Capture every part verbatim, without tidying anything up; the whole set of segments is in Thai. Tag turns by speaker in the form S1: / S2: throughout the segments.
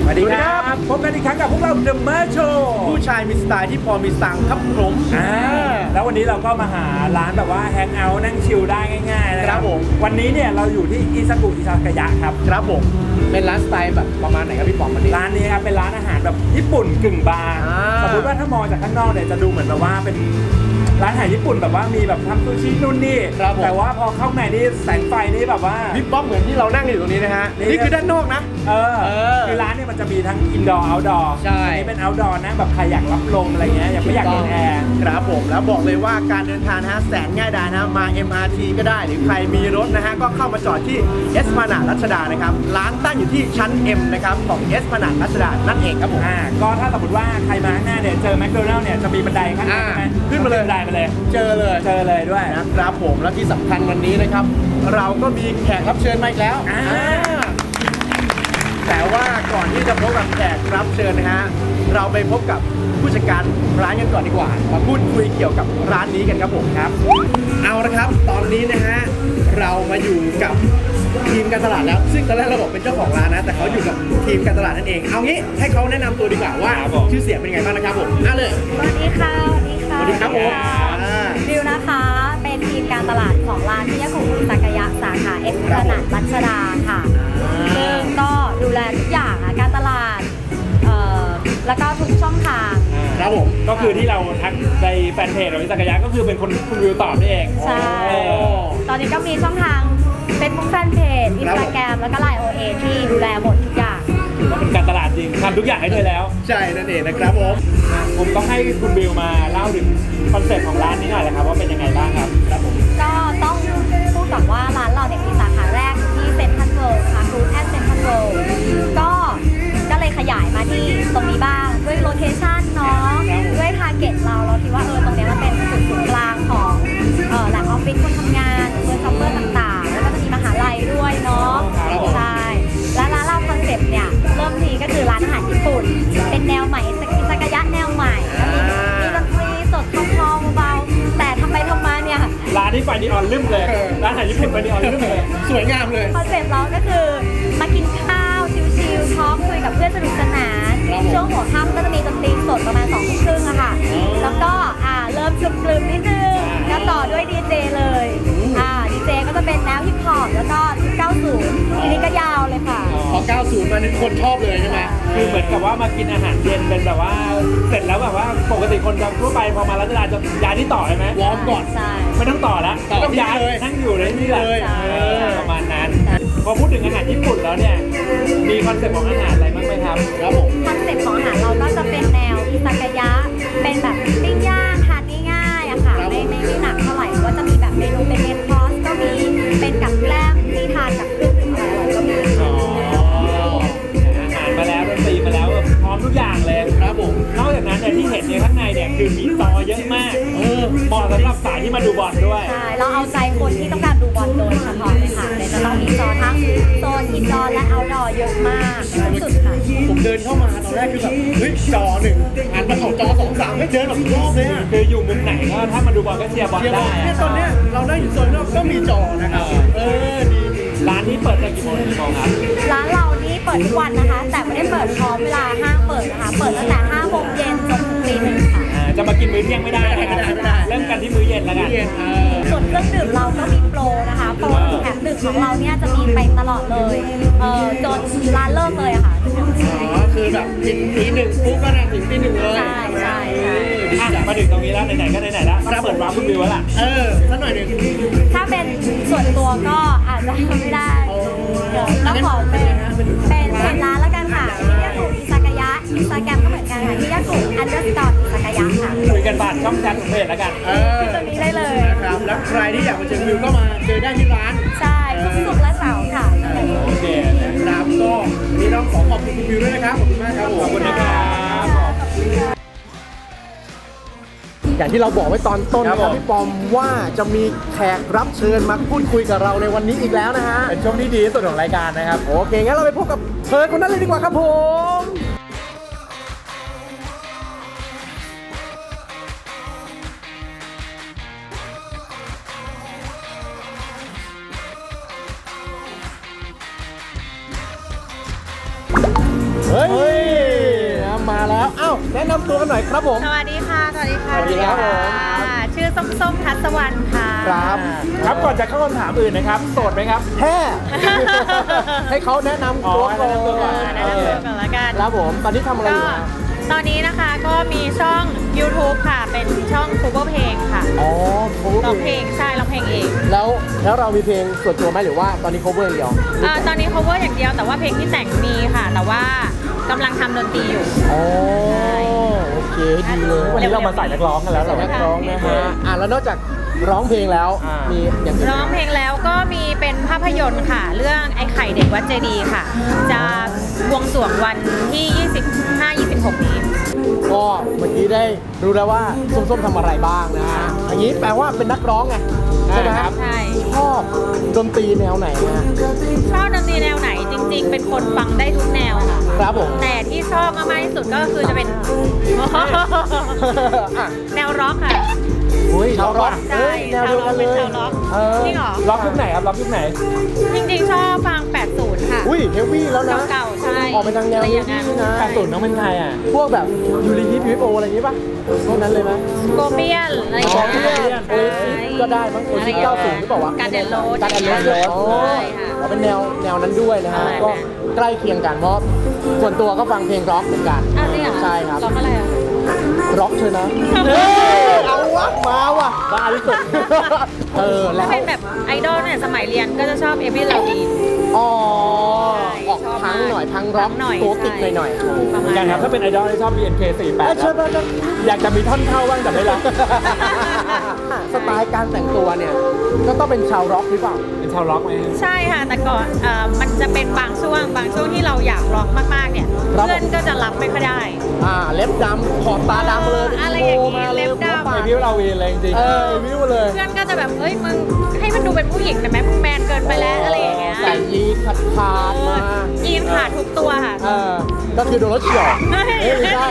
S1: สวัสดีครับพบกันอีกครั้งกับพวกเรา The Mer Show
S2: ผู้ชายมีสไตล์ที่พอมีสังครับผม
S1: อ่าแล้ววันนี้เราก็มาหาร้านแบบว่าแฮงเอาท์นั่งชิลได้ง่ายๆนะครับผมวันนี้เนี่ยเราอยู่ที่อิซากุอิซากายะครับ
S2: ครับผมเป็นร้านสไตล์แบบประมาณไหนครับพี่ปอมวันนี้
S1: ร้านนี้ครับเป็นร้านอาหารแบบญี่ปุ่นกึ่งบาร์สมมติว่าถ้ามองจากข้างนอกเนี่ยจะดูเหมือนแบบว่าเป็นร้านอาหารญี่ปุ่นแบบว่ามีแบบทำซูชินู่นนี่แต่ว่าพอเข้าในนี่แสงไฟนี่แบบว่า
S2: พี่ป๊อปเหมือนที่เรานั่งอยู่ตรงนี้นะฮะนี่คือด้านนอกนะ
S1: เออคือร้านเนี่ยมันจะมีทั้งอินดอร์เอาท์ดอร์
S2: ใช่
S1: อันนี้เป็นเอาท์ดอร์นะแบบใครอยากรับลมอะไรเงี้ยอยากไม่อยากโดนแอร์
S2: ครับผมแล้วบอกเลยว่าการเดินทางนะฮะแสนง่ายดายนะมา เอ็ม อาร์ ที ก็ได้หรือใครมีรถนะฮะก็เข้ามาจอดที่เอสพลานาดรัชดานะครับร้านตั้งอยู่ที่ชั้น M นะครับของเอสพลานาดรัชดานั่นเองครับผม
S1: อ่าก็ถ้าสมมติว่าใครมาข้างหน้าเนี่ยเจอแมคโดนัลล์เนี่ยจะมีบันไดข้างหน้าใช่ไหม
S2: ขึ้นมาเลย
S1: บันไดมาเลย
S2: เจอเลย
S1: เจอเลยด้วย
S2: นะครับผมและที่สำคัญวันนี้นะครับเราก็มีแขกรับเชิญมาอีกแล้วแต่ว่าก่อนที่จะพบกับแขกรับเชิญนะฮะเราไปพบกับผู้จัดการร้านกันก่อนดีกว่ามาพูดคุยเกี่ยวกับร้านนี้กันครับผมครับเอาละครับตอนนี้นะฮะเรามาอยู่กับทีมการตลาดแล้วซึ่งตอนแรกเราบอกเป็นเจ้าของร้านนะแต่เขาอยู่กับทีมการตลาดนั่นเองเอางี้ให้เขาแนะนำตัวดีกว่าว่าชื่อเสียงเป็นไงบ้างนะครับผมน่าเลย
S3: สวัสดีค่ะสวัสดีค่ะ
S2: สวัสดีครับผม
S3: ดิวนะคะเป็นทีมการตลาดของร้านพิยากุอิซากายะสาขาเอ็กซ์ขนาดรัชดาค่ะซึ่งก็ดูแลทุกอย่างอะการตลาดเอ่อแล้วก็ทุกช่องทาง
S2: ครับผม
S1: ก็คือที่เราทักในแฟนเพจของอิซากายะก็คือเป็นคนคุณวิวตอบนี่เอง
S3: ใช่ตอนนี้ก็มีช่องทางเป็นบุ๊กแฟนเพจอินสตาแกรมแล้วก็ไลน์ โอ เอ ที่ดูแลหมดทุกอย่าง
S1: ถือว่าเป็นการตลาดจริงทำทุกอย่างให้เธอแล้ว
S2: ใช่นั่นเองนะครับผม
S1: ผมต้องให้คุณบิวมาเล่าถึงคอนเซ็ปต์ของร้านนี้หน่อยนะครับว่าเป็นยังไงบ้างครับครับผม
S3: ก็ต้องพูดก่อนว่าร้านเราเนี่ยมีสาขาแรกอยู่ที่เซ็นทรัลเวิลด์ค่ะรูทแอดเซ็นทรัลเวิลด์ก็ก็เลยขยายมาที่ตรงนี้บ้างด้วยโลเคชั่นเนาะด้วยทาร์เก็ตเราเราคิดว่าเออตรงนี้มันเป็นจุดศูนย์กลางของเออแหล่งออฟฟิศคนทำงานเพื่อนซัพเปอร์ต่างๆแล้วก็จะมีมหาลัยด้วยเนาะใช่และร้านเราคอนเซ็ปต์เนี่ยเริ่มทีก็คือร้านอาหารญี่ปุ่นเป็นแนวใหม่อิซากายะแนวใหม่มีดนตรีสดคลอมๆเบาๆแต่ทำไปทำมาเนี่ย
S1: ร้านนี้ไฟนีออนลืมเลยร้านอาหารญี่ปุ่นไฟนีออนลืมเลย
S2: สวยงามเลย
S3: คอนเซ็ปต์เราก็คือมากินข้าวชิลๆทอล์กคุยกับเพื่อนสนุกสนานช่วงหัวค่ำก็จะมีดนตรีสดประมาณสองทุ่มครึ่งอะค่ะแล้วก็อ่าเริ่มชุบกลืมนิดนึงก็ต่อด้วยดีเจเลยอ่าดีเจก็จะเป็นแนวฮิปฮอปแล้วก็ยุคเก้าสิบทีนี้ก็ยาวเลยค่ะ
S2: พอเก้าสิบมานี่คนชอบเลยใช่ไหม
S1: คือเหมือนกับว่ามากินอาหารเย็นเป็นแบบว่าเสร็จแล้วแบบว่าปกติคนทั่วไปพอมารัชดาจะย้ายที่ต่อใช่ไหม
S2: วอร์มก่อน
S1: ไม่ต้องต่อแล้วต้องย้ายนั่งอยู่เลยนี่แหละประมาณนั้นพอพูดถึงอาหารญี่ปุ่นแล้วเนี่ยมีคอนเซ็ปต์ของอาหารอะไรบ้างไหมครับ
S2: ครับผม
S3: คอนเซ็ปต์ของอาหารเราก็จะเป็นแนวอิซากายะเป็นแบบปิ้งย่างทานง่ายๆอะค่ะไม่ไม่ไม่หนักเท่าไหร่ก็จะมีแบบเมนูเป็นเมนคอร์สก็มีเป็นกับแกล้มที่ทานกับเครื่องดื่มอร่อยๆก็มี
S1: อาหารมาแล้วดนตรีมาแล้วพร้อมทุกอย่างเลย
S2: ครับผม
S1: นอกจากนั้นเนี่ยที่เห็นในข้างในเนี่ยคือมีจอเยอะมากเหมาะสำหรับสายที่มาดูบอลด้วย
S3: ใช่เราเอาใจคนที่ต้องการดูบอลโดยเฉพาะเลยค่ะเลยจะต้องมีจอทั้งโซนอินดอร์และเอาท์ดอร์เยอะมากสุดค่ะ
S2: ผมเดินเข้ามาตอนแรกคือแบบเฮ้ยจอหนึ่งอันมาของจอสองสามไม่เดินแบบรอบเลยอ่ะ
S1: คืออยู่มุมไหนก็ถ้ามาดูบอลก็เชียร์บอลได้
S2: เนี่ยตอนเนี้ยเราได้อยู่โซนนอกก็มีจอนะครับเออดี
S1: ร้านนี้เปิดตั้งกี่โมงกี่โมงครับ
S3: ร้านเรานี่เปิดทุกวันนะคะแต่ไม่ได้เปิดพร้อมเวลาห้างเปิดนะคะเปิดตั้งแต่ห้าโมงเย็นจนถึงตีหนึ่งค่ะ
S1: จะมากินมื้อเที่ยงไม่ได้นะครับเริ่มกันที่มื้อเย็นแล้วกัน
S3: ส่วนเครื่องดื่มเราก็มีโปรนะคะโปรแถมหนึ่งของเราเนี่ยจะมีไปตลอดเลยเออจนร้านเลิกเลยอะค่ะ
S2: อ๋อคือแบบถึงตีหนึ่งปุ๊บก็ถึงตีหนึ่งเลย
S3: ใช่ใช่ใช่
S1: มาถึงตรงนี้แล้วไหนๆก็ไหนๆแล้วเปิดวาร์ปคุณวิวแล้วล่ะ
S2: เออสักหน่อยหนึ่ง
S3: ถ้าเป็นส่วนตัวก็อาจจะไม่ได้ต้องขอเป็นเป็นเป็นร้านแล้วกันค่ะที่ยากุอิซากายะอินสตาแกรมก็เหมือนกันค่ะที่ยากุอันเดอร์สกอร์อิซากายะค่ะ
S1: คุยกันผ่านช่องแชทของเพจแล้วกัน
S2: เออ
S3: ตรงนี้ได้เลย
S2: นะครับแล้วใครที่อยากมาเจอวิวก็มาเจอได้ที่ร้าน
S3: ใช่ทุกศุกร์และเสาร์ค่ะ
S1: โอเค
S2: นะครับก็นี่ต้องขอขอบคุณคุณวิวด้วยนะครับขอบคุณมากครับ
S1: ขอบคุณนะครับ
S2: อย่างที่เราบอกไว้ตอนต้นนะครับพี่ปอมว่าจะมีแขกรับเชิญมาพูดคุยกับเราในวันนี้อีกแล้วนะฮะ
S1: เป็นช่วงที่ดีที่สุดของรายการนะครับ
S2: โอเคงั้นเราไปพบกับเธอคนนั้นเลยดีกว่าครับผมเฮ้ยมาแล้วอ้าวแนะนำตัวกันหน่อยครับผม
S3: สวัสดีค่ะ สวัสดีค่ะ
S2: สวัสดีครับผม
S3: ชื่อส้มส้มทัศวรรณค่ะ
S2: ครับ
S1: ครับก่อนจะเข้าคำถามอื่นนะครับโสดไหมครับ
S2: แท้ ให้เขาแนะนำตัวก่อน
S1: อ๋อแนะนำตัวก่อน
S3: แนะนำตัวก่อนละกัน
S2: ครับผมตอนนี้ทำอะไรอ
S3: ก็
S2: ยู่นะ
S3: ตอนนี้นะคะก็มีช่อง YouTube ค่ะ เป็นช่อง cover เพลงค่ะ
S2: อ๋อ cover
S3: ร้องเพลงใช่ร้องเพลงเอง
S2: แล้วแล้วเรามีเพลงส่วนตัวไหมหรือว่าตอนนี้ cover อย่างเดียว
S3: เอ่อตอนนี้ cover อย่างเดียวแต่ว่าเพลงที่แต่งมีค่ะ แต่ว่ากำลังทำดนตรีอยู่
S2: อ๋อโอเคดีเลย
S1: วันนี้เรามาใส่นักร้องกันแล้วเหรอ
S2: นักร้องนะฮะอ่ะแล้วนอกจากร้องเพลงแล้ว
S1: อ่ามี
S2: มีอย่างอื่นไหม
S3: ร้องเพลงแล้วก็มีเป็นภาพยนตร์ค่ะ เรื่องไอ้ไข่เด็กวัดเจดีย์ค่ะ จะบวงสรวงวันที่ ยี่สิบห้า ยี่สิบหก นี้
S2: ก็เมื่อกี้ได้รู้แล้วว่าส้มๆทำอะไรบ้างนะฮะอย่างนี้แปลว่าเป็นนักร้องไงใช่ไหมครับ
S3: ใช่
S2: ชอบดนตรีแนวไหนฮะ
S3: ชอบดนตรีแนวไหนจริง ๆ เป็นคนฟังได้ทุกแนวค่ะ
S2: ครับผม
S3: แต่ที่ชอบมากๆที่สุดก็คือจะเป็น
S2: อ่ะ
S3: แนวร็อกค่ะ
S1: อุ้ย
S2: ชาวร็อก
S3: ใช่
S2: เฮ้ยแนวเดียวกันเลย
S3: ชาวร็อก
S2: เออ
S3: จริงเหรอ
S1: ล็อกยุคไหนครับล็อกยุคไหน
S3: จริงๆ ชอบฟัง แปดสิบ ค่ะ
S2: อุ้ยเฮฟวี่แล้วนะ
S3: เก่าๆใช่
S2: ออกไปทางแนว
S3: อะไร
S2: เฮ
S3: อ
S2: ฟ
S3: ย่าง
S2: วี่
S3: นั้น
S2: นะ
S1: แปดสิบน้องเป็นใครอ่ะ
S2: พวกแบบยูริฮิปฮิปโออะไรอย่างงี้ป่ะพวกนั้นเลยไหม
S3: โกเปียนอะไรอย่าง
S2: อ๋อ
S3: เงี้ย
S2: เพื่อนโอเอซิสก็ได้มั้งโอเอซิสเก้าสิบหรือเปล่าวะ
S3: การเดนโรส
S2: การแอนโรส
S3: ใช่
S2: อ๋อ
S3: ค่ะ
S2: เอาเป็นแนวแนวนั้นด้วยนะฮะ
S3: ใช่
S2: ก็ใกล้เคียงกันเพราะส่วนตัวก็ฟังเพลงร็อกเหมือนกัน
S3: อ้าวจริงเหรอ
S2: ใช่ครับ
S3: ร็อกอะไรอ่ะ
S2: ร็อกเชยนะ
S3: เฮ้ย
S2: เอาวะมาว่ะ
S1: บ้าที่สุด
S2: เออแล้
S3: ถ้าว เป็นแบบไอดอลเนี่ยสมัยเรียนก็จะชอบเอมิลลาวีน
S2: อ๋อ
S3: ใช่
S2: ออก
S3: ชอบ
S2: พัง
S3: มาก
S2: หน่อยพังร็อก
S3: พังหน่อย
S2: ตัวติด
S3: ใช่
S2: หน่อยๆ
S3: ประ
S1: เห
S3: มา
S1: มื
S3: ณ
S1: อนกันครับถ้าเป็นไอดอลที่ชอบ บี เอ็น เค สี่สิบแปด
S2: เอ้ย
S1: ค
S2: เชิ
S1: รั
S2: ญ
S1: บ
S2: มา
S1: อยากจะมีท่อนเข้าบ้างแต่ไม่รับ
S2: สไตล์การแต่งตัวเนี่ย ก็ต้องเป็นชาวร็อกหรือเปล่า
S1: เป็นชาวล็อกไหม
S3: ใช่ค่ะ แต่ก่อนเอ่อมันจะเป็นบางช่วง บางช่วงที่เราอยากร็อกมากๆเนี่ย
S2: ครับ
S3: เพื่อนก็จะรับไม่ค่อยได้
S2: อ่าเล็บดำขอบตาดำเลย
S3: อะไรอย่างงี้
S2: โมา
S3: เล็บดำ
S2: หัวปา
S1: ไอก วิวเราวีนเลยจริง
S2: เออวิวเลย
S3: เพื่อนก็จะแบบเฮ้ยมึงให้มันดูเป็นผู้หญิงได้ไหมมึงแมนเกินไปแล้วอะไรอย่างเงี้ย
S2: ใส่ยีนขาดขาดๆมา
S3: ยีนขาดทุกตัวค่ะ
S2: เออก็คือโดนรถเฉี่ยวเอ้ยไม่ใช่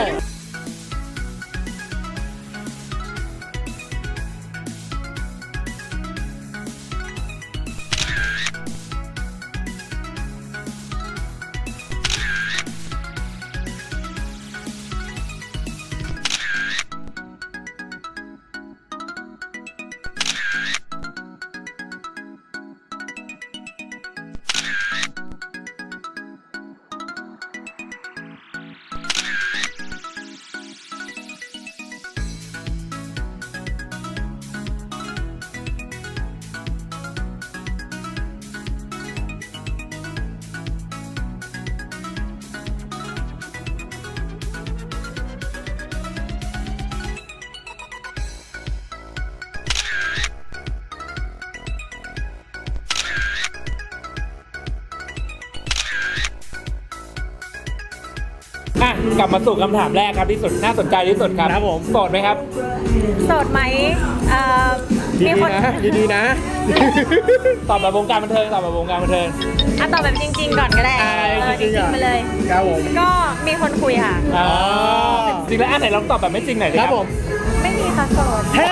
S1: อ่ะกลับมาสู่คำถามแรกครับที่สุดน่าสนใจที่สุดครับ
S2: ครับผม
S1: โสดไหมครับ
S3: โสดไหมเอ่อมี
S2: ดี
S3: คน
S2: ๆนะดีๆนะ
S1: ตอบแบบวงการบันเทิงตอบแบบวงการบันเทิง
S3: อ่ะตอบแบบจริง ๆ ก่อนก็ได้
S2: อ่า
S3: เออ
S2: จริงๆอ่ะ
S3: ไปเลย
S2: ครับผม
S3: ก็มีคนคุยค่ะ
S1: อ๋อจริงแล้วอันไหนลองตอบแบบไม่จริงหน่อยดิ
S2: ค
S1: ค
S2: รั
S1: รั
S2: บบ ผม
S3: ไม่มีค่ะโสด
S2: แท้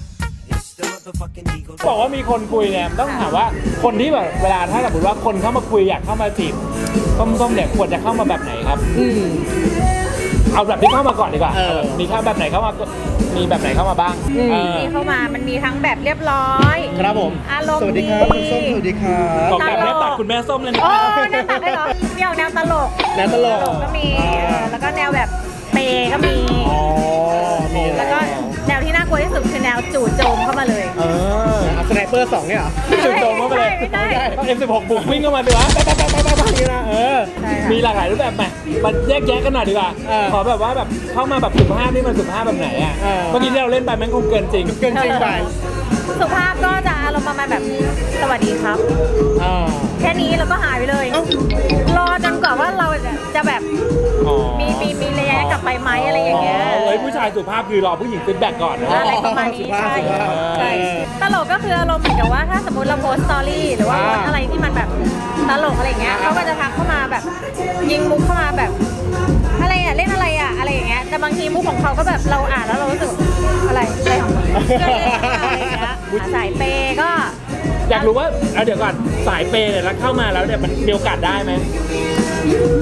S1: บอกว่ามีคนคุยเนี่ยต้องถามว่าคนที่แบบเวลาถ้าสมมติว่าคนเข้ามาคุยอยากเข้ามาจีบส้มๆเนี่ยควรจะเข้ามาแบบไหนครับ
S2: อืม
S1: เอาแบบที่เข้ามาก่อนดีกว่า
S2: เออ
S1: มีเข้าแบบไหนเข้ามามีแบบไหนเข้ามาบ้าง
S2: อืม
S1: เออ
S3: มีเข้ามามันมีทั้งแบบเรียบร้อย
S2: ครับผม
S3: อารมณ์
S2: สวัสดีครับคุณส้มสวัสดีครับ
S1: บอกแบบแม่ตัดคุณแม่ส้มเลยนะ
S3: โอ้แนวตัดได้เหรอเดี่ยวแนวตลก
S2: แนวตลก
S3: ก็มีเออแล้วก็แนวแบบเปย์ก็มี
S2: อ๋อมี
S3: แล้วก็แนวที่น่ากลัวที่สุดคือแนวจู่โจมเข้ามาเลย
S2: เออเอาสไนเปอร์สองเนี่ยเหรอ
S1: จุดโจมเข้าไปเลย
S3: ไม่ใช่
S1: ต้อง เอ็ม สิบหก บุกวิ่งเข้ามาดีวะปั๊บปั๊บปั๊บปั๊บปั๊บอย่างนี้นะเออ
S3: ใช่ค่ะ
S1: มีหลากหลายรูปแบบไหมมันแยกแยะกันหน่อยดีกว่า
S2: เออ
S1: ขอแบบว่าแบบเข้ามาแบบสุภาพนี่มันสุภาพแบบไหนอ่ะ
S2: เออ
S1: เมื่อกี้ที่เราเล่นไปมันคงเกินจริง
S2: เกินจริงไป
S3: สุภาพก็จะอารมณ์ประมาณแบบสวัสดีครับ
S2: อ่า
S3: แค่นี้แล้วก็หายไปเลย รอจนกว่าว่าเราจะแบบ
S1: อ๋อ
S3: มีมีมีระยะกลับไปไหมอะไรอย่างเงี้ย
S1: เฮ้ยผู้ชายสุภาพคือรอผู้หญิงฟีดแบ็กก่อนนะ
S3: อะไรประมาณนี้
S2: สุภาพ
S3: ใช่
S2: สุภาพ
S3: ใช่ตลกก็คืออารมณ์เหมือนกับว่าถ้าสมมติเราโพสต์สตอรี่หรือว่าโพสต์อะไรที่มันแบบตลกอะไรอย่างเงี้ยเขาก็จะทักเข้ามาแบบยิงมุกเข้ามาแบบ อะไรอ่ะเล่นอะไรอ่ะอะไรอย่างเงี้ยแต่บางทีมุกของเขาก็แบบเราอ่านแล้วเรารู้สึกอะไรอะไรของมึงก็เล่นอะไรอย่างเงี้ยสายเปย์ก็
S1: อยากรู้ว่าเอาเดี๋ยวก่อนสายเปย์เนี่ยแล้วเข้ามาแล้วเนี่ยมันมีโอกาสได้ไหมเอา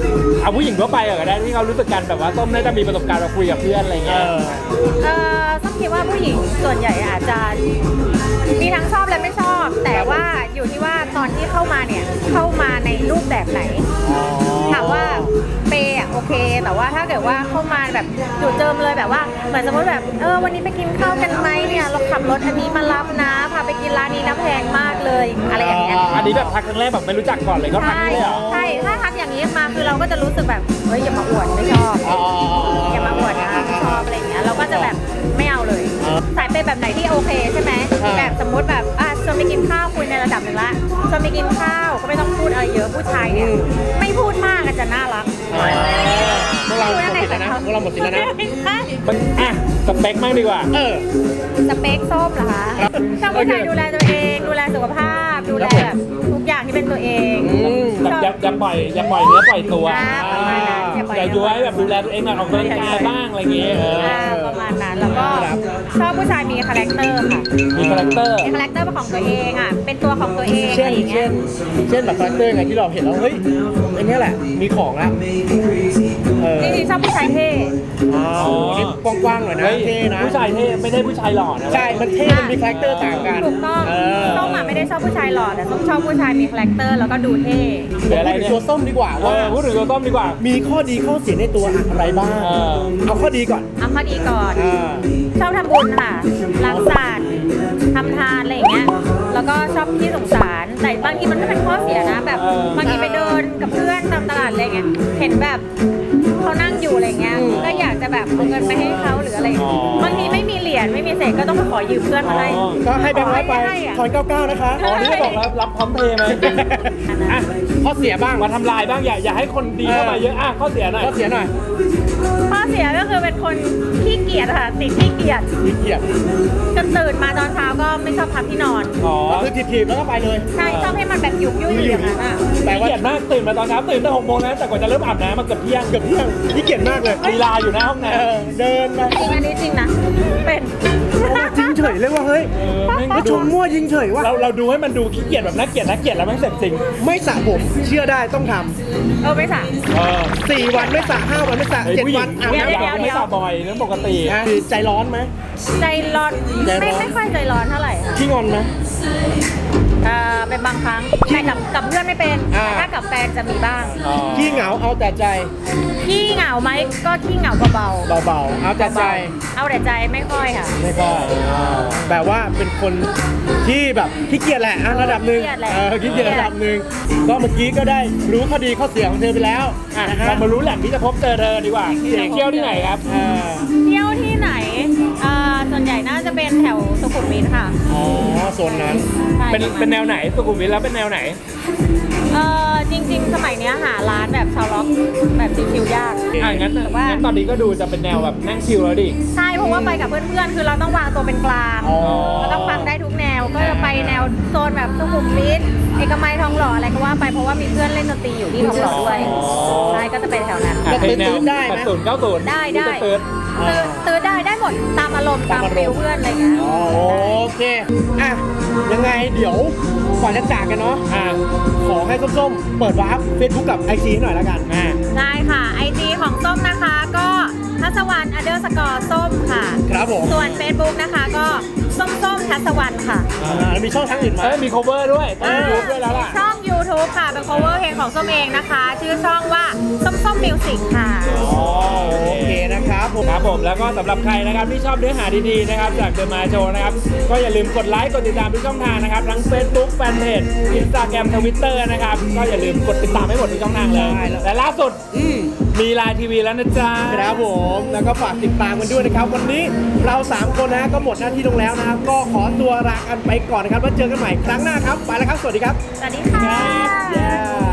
S1: เอาผู้หญิงทั่วไปก็ได้ที่เขารู้สึกกันแบบว่าส้มน่าจะมีประสบการณ์มาคุยกับเพื่อนอะไรเงี้ย
S3: เอ่อส้มคิดว่าผู้หญิงส่วนใหญ่อาจจะมีทั้งชอบและไม่ชอบ แต่ว่าอยู่ที่ว่าตอนที่เข้ามาเนี่ยเข้ามาในรูปแบบไหนถามว่าเปย์อะโอเค แต่ว่าถ้าเกิดว่าเข้ามาแบบจู่เจิมเลยแบบว่าเหมือนสมมติแบบเออวันนี้ไปกินข้าวกันไหมเนี่ยเราขับรถอันนี้มารับนะพาไปกินร้านนี้น้ำแพงมากเลยอะไรอย่างเงี้ย
S1: อันนี้แบบทักครั้งแรกแบบไม่รู้จักก่อนเลยก็ทัก
S3: ใช่
S1: เลยเหรอ
S3: ใช่ถ้าทักอย่างนี้มาคือเราก็จะรู้สึกแบบเฮ้ยอย่ามาอวดไม่ชอบอย่ามาอวดนะไม่ชอบอะไรอย่างเงี้ยเราก็จะแบบไม่เอาเลยสายเปย์แบบไหนที่โอเคใช่ไหมแบบสมมติแบบอ่ะชวนไปกินข้าวคุยในระดับหนึ่งละชวนไปกินข้าวก็ไม่ต้องพูดอะไรเยอะผู้ชายเนี่ยไม่พูดมากอาจจะน่ารัก
S2: พวกเราหมดสิทธิ์แล้วนะพวกเราหมดสิทธิ์แล้วนะ
S3: ไม่ใช่
S1: มันอ่ะสเปคมากดีกว่า
S2: เออ
S3: สเปคส้มเหรอคะ
S2: ครับ
S3: ชอบผู้ชายดูแลตัวเองดูแลสุขภาพดูแลแบบทุกอย่างที่เป็นตัวเอง
S2: อืม
S1: แบบอย่าอย่าปล่อยอย่าปล่อยเนื้อปล่อยตัว
S3: อ่าประมาณนั้นอย่าปล่อย
S1: อย่าย้วยแบบดูแลตัวเองหน่อยออกกำลังกายบ้างอะไรอย่างเงี้ยเออ
S3: อ่าประมาณนั้นแล้วก็
S2: ครับ
S3: ชอบผู้ชายมีคาแรคเตอร์ค่ะ
S1: มีคาแรคเตอร์
S3: มีคาแรคเตอร์เป็นของตัวเองอ่ะ เป็นตัวของตัวเอง
S2: เช่
S3: อะ
S2: น
S3: ไรอย่างเงี้
S2: เช่
S3: ย
S2: น เช่นแบบคาแรคเตอร์ไงที่เราเห็นแล้วเฮ้ยอันเนี้ยแหละ มีของละเออ
S3: จริงๆชอบผู้ชายเท่
S2: อ๋อนี่กว้างๆหน่อยนะ
S1: เฮ้ย
S2: เท่นะ
S1: ผู้ชายเท่ไม่ได้ผู้ชายหล่อนะ
S2: ใช่ มันเท่ มันมีคาแรคเตอร์ต่างกัน
S3: ถูกต้อง
S2: เออ
S3: ส้มอ่ะไม่ได้ชอบผู้ชายหล่อแต่ส้มชอบผู้ชายมีคาแรคเตอร์แล้วก็ดูเท่
S1: หรืออะไร
S2: พูดถึง
S1: เนี่ย
S2: ตัวส้มดีกว่า
S1: เอ
S2: ว่า
S1: อพูดถึงตัวต้มดีกว่า
S2: มีข้อดีข้อเสียในตัวอะไรบ้าง
S1: เออ
S2: เอาข้อดีก่อน
S3: เอาข้อดีก่อน
S2: อ่า
S3: ชอบทำบุญค่ะรักสัตว์ทำทานอะไรอย่างเงี้ย แล้วก็ชอบที่สงสาร แต่บางทีมันก็เป็นข้อเสียนะ แบบ
S1: เออ
S3: บางทีไปเดินกับเพื่อนตามตลาดอะไรเงี้ย เห็นแบบเขานั่งอยู่อะไรเงี้ย ก็อยากจะแบบเอาเงินไปให้เขาหรืออะไรอย่างเงี้ยบางทีไม่มีเหรียญไม่มีเศษก็ต้องไปขอยืมเพื่อนมาให้
S1: อ๋อ
S2: ก็ให้แบงค์ร้อยไป
S3: ให้อะ
S2: ถอนเก้าเก้านะคะ
S1: อ๋อนี่ก็บอกแล้วรับพร้อมเพย์ไหมอ่ะ
S2: ข้อเสียบ้าง
S1: มาทำลายบ้างอย่าอย่าให้คนดีเข้ามาเยอะอ่ะข้อเสียหน่อย
S2: ข้อเสียหน่อย
S3: ข้อเสียก็คือเป็นคนขี้เกียจค่ะติดขี้เกียจ
S2: ขี้เกียจ
S3: จะตื่นมาตอนเช้าก็ไม่ชอบพักที่นอน
S1: อ๋อ
S2: ก็คือถีบๆแล้วก็ไปเลย
S3: ใช่ชอบให้มันแบบยุบยุ่ยอยู่อย่างนั้นอ่ะ
S2: แต่
S1: ขี้
S2: ว่า
S1: เกียจมากตื่นมาตอนเช้าตื่นตั้งหกโมงนะแต่กว่าจะเริ่มอาบน้ำมาเกือบเที่ยง
S2: เกือบเที่ยงขี้เกียจมากเลย
S1: ลีลาอยู่หน้าห้องน้
S2: เออเดินไป
S3: จริงอันนี้จริงนะเป็น
S2: จริงเฉยเลยว่าเฮ้ย
S1: ำเออแม่ง
S2: ก็ช
S1: ดู
S2: มมั่วยิงเฉยว่า
S1: เราเราดูให้มันดูขี้เกียจแบบน่าเกลียดน่าเกลียดแล้วแม่งเสร็จจริง
S2: ไม่สระผมเชื่อได้ต้องท
S3: เออไม่สั่ง
S1: เออ
S2: ำสี่วันไม่สระห้าวันไม่สระ
S1: ไอ้
S2: เจ็ด
S1: ผู้หญิ
S2: วั
S1: ง
S2: นอาบ
S1: ผู้หญิง
S2: น้ำ
S3: เดี๋ยว
S1: ไม่สระบ่อยเรื่องปกติ
S2: อ่ะคือใจร้อนไหม
S3: ใจร้อน
S2: ใจร้อน
S3: ไม่ไม่ค่อยใจร้อนเท่าไหร่ค่ะ
S2: ขี้งอนไหม
S3: เอ่อเป็นบางครั้งแต่กับกับเพื่อนไม่เป็น
S2: อ่า
S3: แต่ถ้ากับแฟนจะมีบ้าง
S1: อ๋อ
S2: ขี้เหงาเอาแต่ใจ
S3: ขี้เหงาไหมก็ขี้เหงาเบา
S2: เบาๆเอาแต่ใจ
S3: ๆเอาแต่ใจไม่ค่อยค่ะ
S2: ไม่ค่อยแบบว่าเป็นคนที่แบบขี้เกียจแหละอ่ะระดับหนึ่ง
S3: ขี้เกียจแหละ
S2: เออขี้เกียจระดับหนึ่งก็เมื่อกี้ก็ได้รู้ข้อดีข้อเสียของเธอไปแล้ว
S1: อ่ะ
S2: นะฮะ
S1: เรามารู้แหล่งที่จะพบเจอเธอดีกว่าเที่ยวที่ไหนครับ
S2: อ่า
S3: เที่ยวที่ไหนเอ่อส่วนใหญ่น่าจะเป็นแถวสุขุมวิทค่ะ
S2: อ๋อโซนนั้น
S3: ใช่
S1: เป็น
S3: ประมาณ
S1: เป็นแนวไหนสุขุมวิทแล้วเป็นแนวไหน
S3: เออจริง ๆ สมัยเนี้ยหาร้านแบบชาวล็อกแบบชิวๆยาก
S1: อ่ะงั้น
S3: แต่ว่า
S1: งั้นตอนนี้ก็ดูจะเป็นแนวแบบนั่งชิลแล้วดิ
S3: ใช่เพราะว่าไปกับเพื่อนๆ คือเราต้องวางตัวเป็นกลาง
S2: อ๋อ
S3: เราต้องฟังได้ทุกแนว ก็จะไปแนวโซนแบบสุขุมวิทเอกมัยทองหล่ออะไรก็ว่าไปเพราะว่ามีเพื่อนเล่นดนตรีอยู่ที่ทองหล่อด้วย
S1: อ๋อ
S3: ใช่ก็จะไปแถวนั้น
S1: อ่ะเพลงแนว
S2: ตื่นได้ไหม
S1: แปดศูนย์เก้าศูนย์
S3: ได้ได้
S1: ตื่น
S3: ตื่นตื่นได้ได้หมดตามอารมณ์ตามฟิลเพื่อนอะไรเงี้ย
S2: อ๋อโอเคอ่ะยังไงเดี๋ยวก่อนจะจากกันเนาะ
S1: อ่ะ
S2: ขอให้ส้มๆเปิดวาร์ปเฟซบุ๊กกับไอจีหน่อยแล้วกัน
S1: อ่ะ
S3: ได้ค่ะไอจีของส้มนะคะก็ทัศวรรณอเดอร์สกอร์ส้มค่ะ
S2: ครับผม
S3: ส่วน Facebook นะคะก็ส้มส้มทัศวรรณค่ะ
S2: อ่าแล้วมีช่องทางอื่นไหม
S1: เอ้ยมี cover ด้วยต้องยูทูบด้วยแล้วล่ะ
S3: ช่อง YouTube ค่ะ เป็น cover เพลงของส้มเองนะคะ ชื่อช่องว่าส้มส้มมิวสิกค่ะ
S2: อ๋อโอเคนะครับผม
S1: ครับผมแล้วก็สำหรับใครนะครับที่ชอบเนื้อหาดีๆนะครับจากเดอะมาโชว์นะครับก็อย่าลืมกดไลค์กดติดตามทุกช่องทางนะครับทั้ง Facebook Fanpage Instagram Twitter นะครับก็อย่าลืมกดติดตามให้หมดทุกช่องทางเลย
S2: ใช่แล้ว
S1: และล่าสุด
S2: อืม
S1: มีไลน์ทีวีแล้วนะจ๊ะ
S2: ครับผมแล้วก็ฝากติดตามกันด้วยนะครับ วันนี้เราสามคนนะก็หมดหน้าที่ลงแล้วนะครับ ก็ขอตัวลากันไปก่อนนะครับแล้วเจอกันใหม่ครั้งหน้าครับไปแล้วครับสวัสดีครับ
S3: สวัสดีค่ะ
S2: Yeah